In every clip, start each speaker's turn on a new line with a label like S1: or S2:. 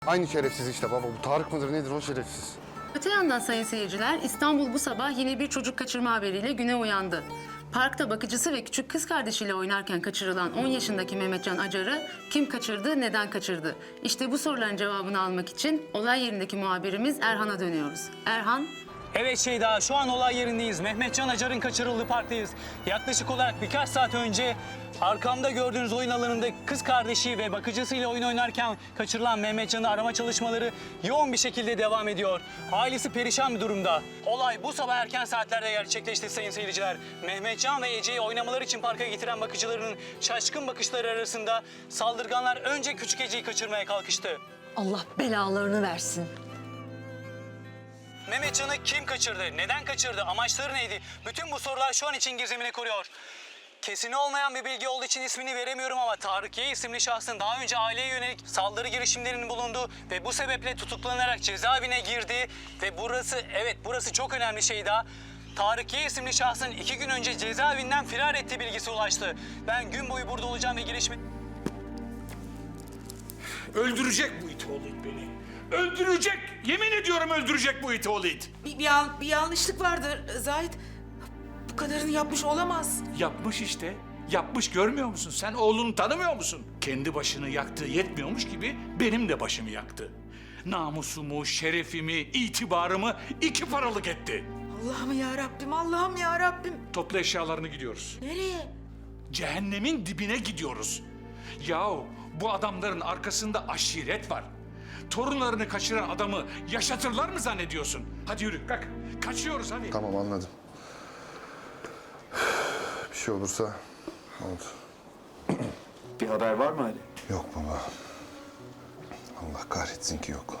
S1: Aynı şerefsiz işte baba. Bu Tarık mıdır nedir o şerefsiz?
S2: Öte yandan sayın seyirciler, İstanbul bu sabah yine bir çocuk kaçırma haberiyle güne uyandı. Parkta bakıcısı ve küçük kız kardeşiyle oynarken kaçırılan 10 yaşındaki Mehmetcan Acar'ı kim kaçırdı, neden kaçırdı? İşte bu soruların cevabını almak için olay yerindeki muhabirimiz Erhan'a dönüyoruz. Erhan.
S3: Evet Şeyda, şu an olay yerindeyiz. Mehmetcan Acar'ın kaçırıldığı parktayız. Yaklaşık olarak birkaç saat önce arkamda gördüğünüz oyun alanında kız kardeşi ve bakıcısıyla oyun oynarken kaçırılan Mehmetcan'ı arama çalışmaları yoğun bir şekilde devam ediyor. Ailesi perişan bir durumda. Olay bu sabah erken saatlerde gerçekleşti sayın seyirciler. Mehmetcan ve Ece'yi oynamaları için parka getiren bakıcılarının şaşkın bakışları arasında saldırganlar önce küçük Ece'yi kaçırmaya kalkıştı.
S4: Allah belalarını versin.
S3: Mehmetcan'ı kim kaçırdı? Neden kaçırdı? Amaçları neydi? Bütün bu sorular şu an için gizemini koruyor. Kesin olmayan bir bilgi olduğu için ismini veremiyorum ama Tarık Y isimli şahsın daha önce aileye yönelik saldırı girişimlerinin bulunduğu ve bu sebeple tutuklanarak cezaevine girdi ve burası çok önemli Şeyda. Tarık Y isimli şahsın 2 gün önce cezaevinden firar ettiği bilgisi ulaştı. Ben gün boyu burada olacağım ve gelişme...
S5: Öldürecek bu it oğlu it beni. Öldürecek. Yemin ediyorum öldürecek bu it oğlu it.
S6: Bir yanlışlık vardır Zahit. Bu kadarını yapmış olamaz.
S5: Yapmış işte. Yapmış, görmüyor musun? Sen oğlunu tanımıyor musun? Kendi başını yaktığı yetmiyormuş gibi benim de başımı yaktı. Namusumu, şerefimi, itibarımı 2 paralık etti.
S6: Allah'ım ya Rabbim, Allah'ım ya Rabbim.
S5: Topla eşyalarını gidiyoruz.
S6: Nereye?
S5: Cehennemin dibine gidiyoruz. Yahu bu adamların arkasında aşiret var. Torunlarını kaçıran adamı yaşatırlar mı zannediyorsun? Hadi yürü, kalk. Kaçıyoruz hadi.
S1: Tamam anladım. Bir şey olursa oldu.
S7: Bir haber var mı Ali?
S1: Yok baba. Allah kahretsin ki yok.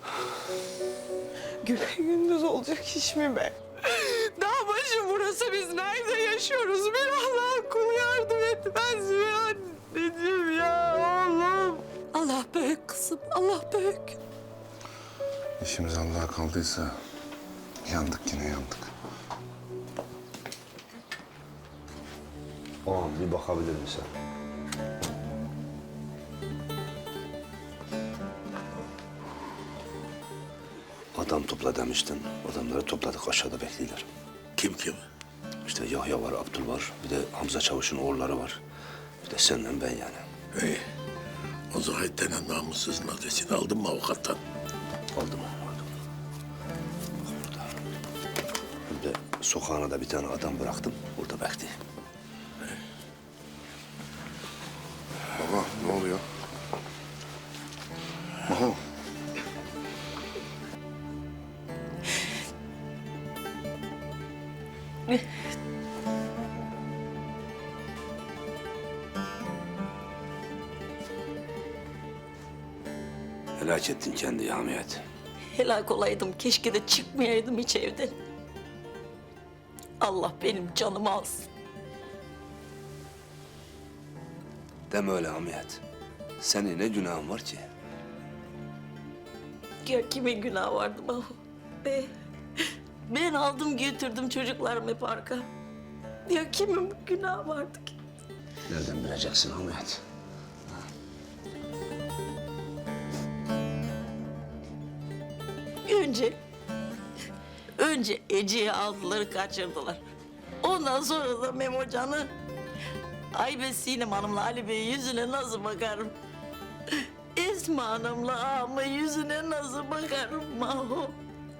S6: Gündüz olacak iş mi be? Dağ başı burası, biz nerede yaşıyoruz? Bir Allah'ın kulu yardım etmez mi anneciğim ya oğlum?
S4: Allah büyük kızım, Allah büyük.
S1: İşimiz Allah'a kaldıysa yandık yine yandık.
S7: Ağam bir bakabilir misin? Adam topla demiştin. Adamları topladık, aşağıda bekliyorlar.
S8: Kim?
S7: İşte Yahya var, Abdül var. Bir de Hamza Çavuş'un oğulları var. Bir de senle ben yani.
S8: İyi. O Zahit denen namussuzun adresini aldın mı avukattan?
S7: Aldım. Burada. Bir de sokağına da bir tane adam bıraktım. Orada bekliyor.
S1: Baba ne oluyor? Maho.
S7: Helak ettin kendi Hamiyet.
S4: Helak olaydım, keşke de çıkmayaydım hiç evden. Allah benim canımı alsın.
S7: Deme öyle Hamiyet. Senin ne günahın var ki?
S4: Ya kimin günahı vardı Mahu? Ben aldım götürdüm çocuklarımı parka. Ya kimin günahı vardı ki?
S7: Nereden bileceksin Hamiyet?
S4: Önce Ece'yi aldılar, kaçırdılar. Ondan sonra da Memocan'ı, Aybe Sinem Hanım'la Ali Bey'in yüzüne nasıl bakarım? Esma Hanım'la ağamın yüzüne nasıl bakarım Maho?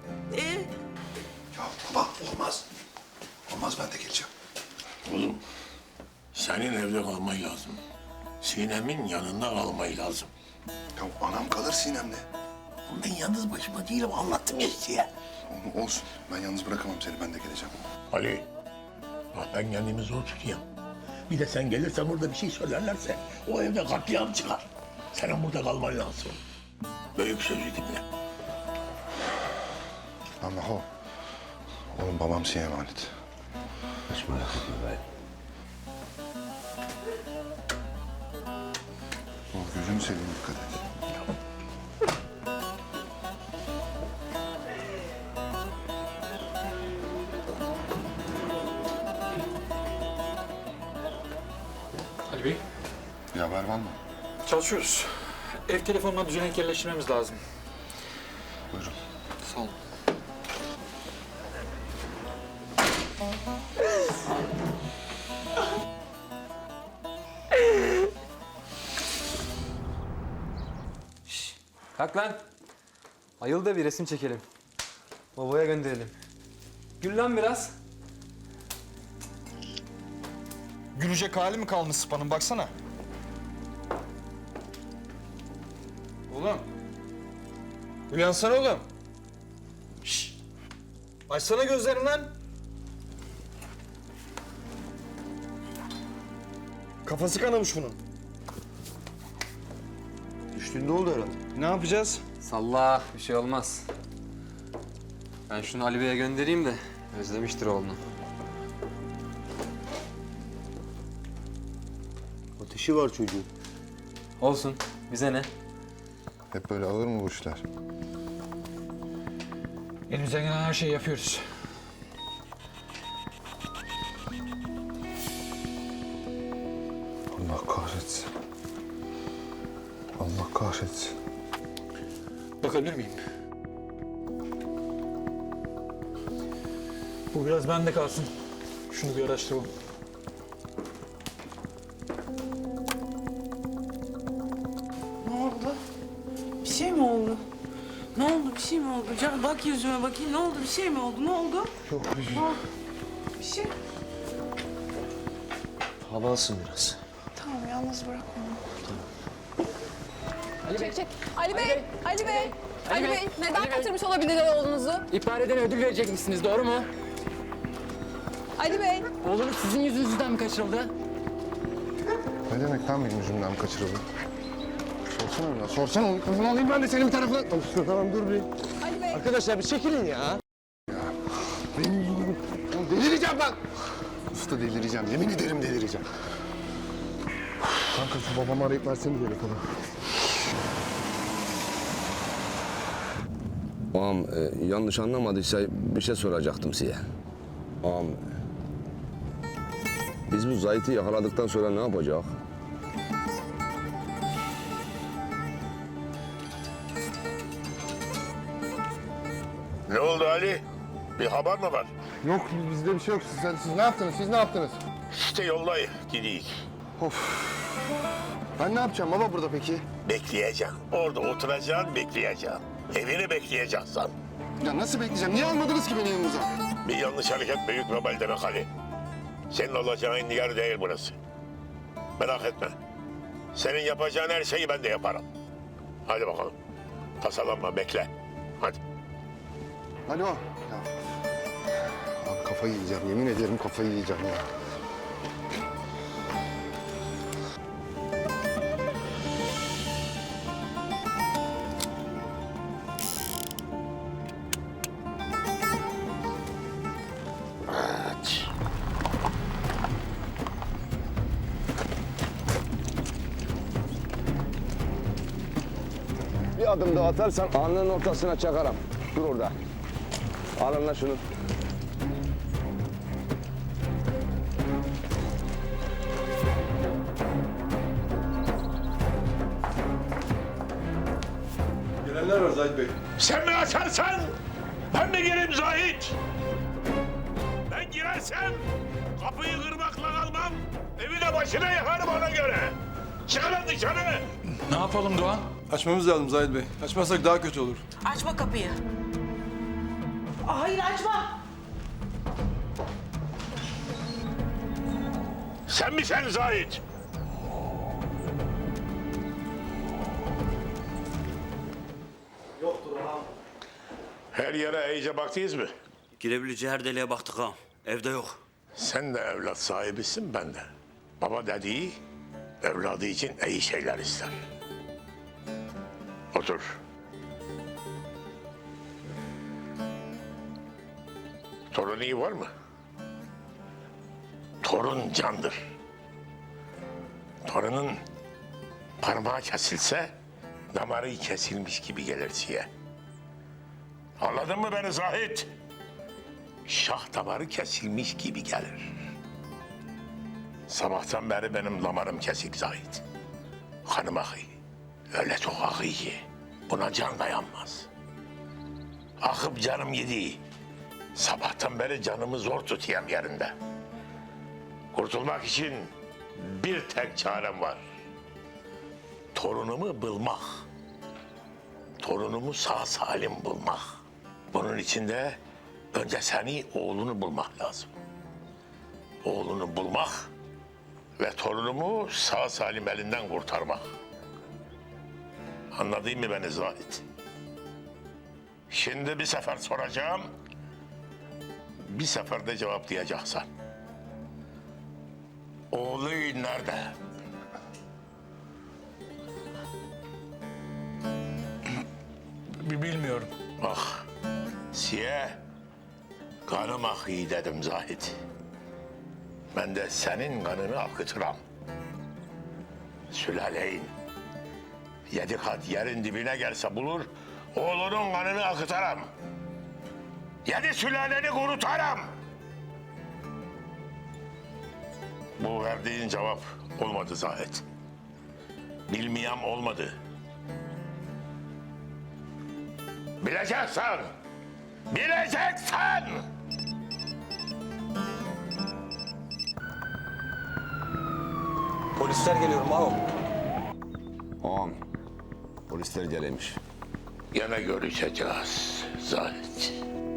S8: Ya baba olmaz. Olmaz, ben de geleceğim. Oğlum senin evde kalman lazım. Sinem'in yanında kalman lazım.
S1: Ya anam kalır Sinem'le.
S8: Oğlum ben yalnız başıma değilim, anlattım ya işte ya.
S1: Olsun. Ben yalnız bırakamam seni. Ben de geleceğim.
S8: Ali, bak ben kendimi zor tutuyorum. Bir de sen gelirsen burada bir şey söylerlerse o evde katliam çıkar. Senin burada kalman lazım. Büyük sözü dinle.
S1: Ama Maho. Oğlum babam sana emanet.
S7: Hiç merak etme bey.
S1: Oğlum gözünü seveyim dikkat et.
S5: Ali Bey.
S1: Bir haber var mı?
S5: Çalışıyoruz.
S9: ev telefonuna düzenek yerleştirmemiz lazım.
S1: Buyurun.
S9: Sağ olun.
S10: Kalk lan. Ayıl da bir resim çekelim. Babaya gönderelim. Gül lan biraz.
S11: Gülecek hali mi kalmış Sıpa'nın baksana. Oğlum. Uyansana oğlum. Şşş. Açsana gözlerini lan. Kafası kanamış bunun. Düştüğünde oldu herhalde. Ne yapacağız?
S10: Salla, bir şey olmaz. Ben şunu Ali Bey'e göndereyim de özlemiştir oğlunu.
S11: Ateşi var çocuğun.
S10: Olsun, bize ne?
S1: Hep böyle alır mı bu işler?
S9: Elimizden gelen her şeyi yapıyoruz.
S1: Allah kahretsin. Allah kahretsin.
S9: Bakabilir miyim? Bu biraz bende kalsın. Şunu bir araştıralım.
S6: Ne oldu? Bir şey mi oldu? Ne oldu? Bir şey mi oldu? Can bak yüzüme bakayım. Ne oldu? Bir şey mi oldu? Ne oldu?
S1: Yok bir şey.
S6: Bir şey.
S7: Hava alsın biraz.
S6: Tamam yalnız bırak onu.
S10: Ali Bey,
S12: Ali Bey, Ali Bey, Ali Bey, neden kaçırmış olabilirler oğlunuzu?
S10: ihbar edene ödül verecekmişsiniz, doğru mu?
S12: Ali Bey.
S10: Oğlunuz sizin yüzünüzden mi kaçırıldı?
S1: Ne demek lan benim yüzümden kaçırıldı? Sorsana biraz. Sorsana onu. Kızını alayım ben de senin bir tarafına. Tamam dur bir.
S12: Ali Bey.
S11: Arkadaşlar bir çekilin ya.
S1: Benim yüzümden. Delireceğim ben. Usta delireceğim. Yemin ederim delireceğim. Kanka şu babamı arayıp versene bir telefonu.
S7: Ağam yanlış anlamadıysa bir şey soracaktım size. Ağam biz bu Zahit'i yakaladıktan sonra ne yapacak?
S8: Ne oldu Ali? Bir haber mi var?
S1: Yok bizde bir şey yok. Siz ne yaptınız? Siz ne yaptınız?
S8: İşte yollayın, gideyim.
S1: Ben ne yapacağım baba burada peki?
S8: Bekleyeceksin. Orada oturacaksın, bekleyeceksin. Evini bekleyeceksin.
S1: Ya nasıl bekleyeceğim? Niye almadınız ki beni yanınıza?
S8: Bir yanlış hareket büyük vebal demek Ali. Senin olacağın yer değil burası. Merak etme. Senin yapacağın her şeyi ben de yaparım. Hadi bakalım. Tasalanma, bekle. Hadi.
S1: Alo. Ya. Abi kafayı yiyeceğim. Yemin ederim kafayı yiyeceğim ya.
S8: Evet.
S7: Bir adım daha atarsan alnının ortasına çakarım. Dur orada. Alın lan şunu.
S11: Gelenler var Zahid Bey.
S8: Sen mi açarsan ben mi gireyim Zahit? Ben girersem kapıyı kırmakla kalmam. Evi de başına yakarım ona göre. Çıkın lan dışarı.
S9: Ne yapalım Doğan?
S11: Açmamız lazım Zahid Bey. Açmazsak daha kötü olur.
S4: Açma kapıyı.
S6: Hayır açma.
S8: Sen mi sen Zahit? Yoktur ağam. Her yere iyice baktınız mı?
S13: Girebileceği her deliğe baktık ağam. Evde yok.
S8: Sen de evlat sahibisin, ben de. Baba dediği evladı için iyi şeyler ister. Otur. Torun iyi var mı? Torun candır. Torunun parmağı kesilse damarı kesilmiş gibi gelir size. Anladın mı beni Zahit? Şah damarı kesilmiş gibi gelir. Sabahtan beri benim damarım kesik Zahit. Kanım akıyor. Öyle çok akıyor ki buna can dayanmaz. Akıp canım yedi. Sabahtan beri canımı zor tutayım yerinde. Kurtulmak için bir tek çarem var. Torunumu bulmak. Torunumu sağ salim bulmak. Bunun için de önce seni, oğlunu bulmak lazım. Oğlunu bulmak ve torunumu sağ salim elinden kurtarmak. Anladın mı beni Zahit? Şimdi bir sefer soracağım. Bir seferde cevaplayacaksın. Oğlu nerede?
S5: Bilmiyorum.
S8: Bak, siye kanım akıyor dedim Zahit. Ben de senin kanını akıtıram. Sülaleyin 7 kat yerin dibine gelse bulur, oğlunun kanını akıtaram. 7 sülaleni kurutaram. Bu verdiğin cevap olmadı Zahit. Bilmeyem olmadı. Bileceksin. Bileceksin.
S11: Polisler geliyor Mao.
S7: Ağam, polisler gelmiş.
S8: Gene görüşeceğiz Zahit.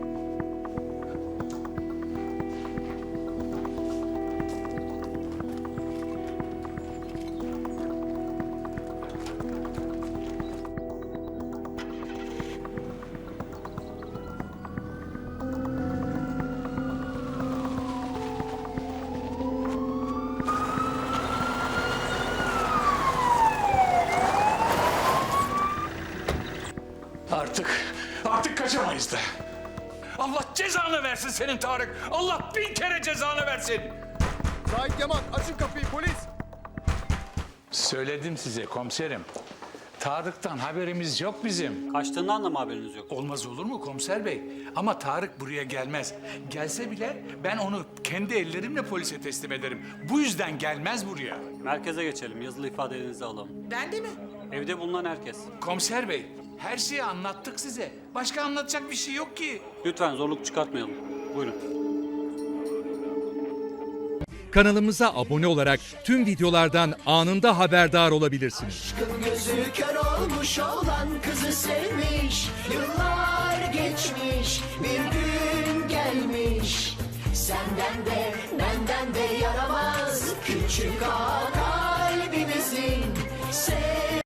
S5: Artık kaçamayız da. Allah cezanı versin senin Tarık. Allah 1000 kere cezanı versin.
S11: Zahit Yaman açın kapıyı polis.
S5: Söyledim size komiserim. Tarık'tan haberimiz yok bizim.
S3: Kaçtığından da mı haberiniz yok?
S5: Olmaz olur mu komiser bey? Ama Tarık buraya gelmez. Gelse bile ben onu kendi ellerimle polise teslim ederim. Bu yüzden gelmez buraya.
S3: Merkeze geçelim. Yazılı ifadelerinizi alalım.
S4: Ben de mi?
S3: Evde bulunan herkes.
S5: Komiser bey, her şeyi anlattık size. Başka anlatacak bir şey yok ki.
S3: Lütfen zorluk çıkartmayalım. Buyurun.
S14: Kanalımıza abone olarak tüm videolardan anında haberdar olabilirsiniz.
S15: Gözü kör olmuş olan kızı sevmiş. Yıllar geçmiş, bir gün gelmiş. Senden de benden de yaramaz küçük ağa kalbimizin.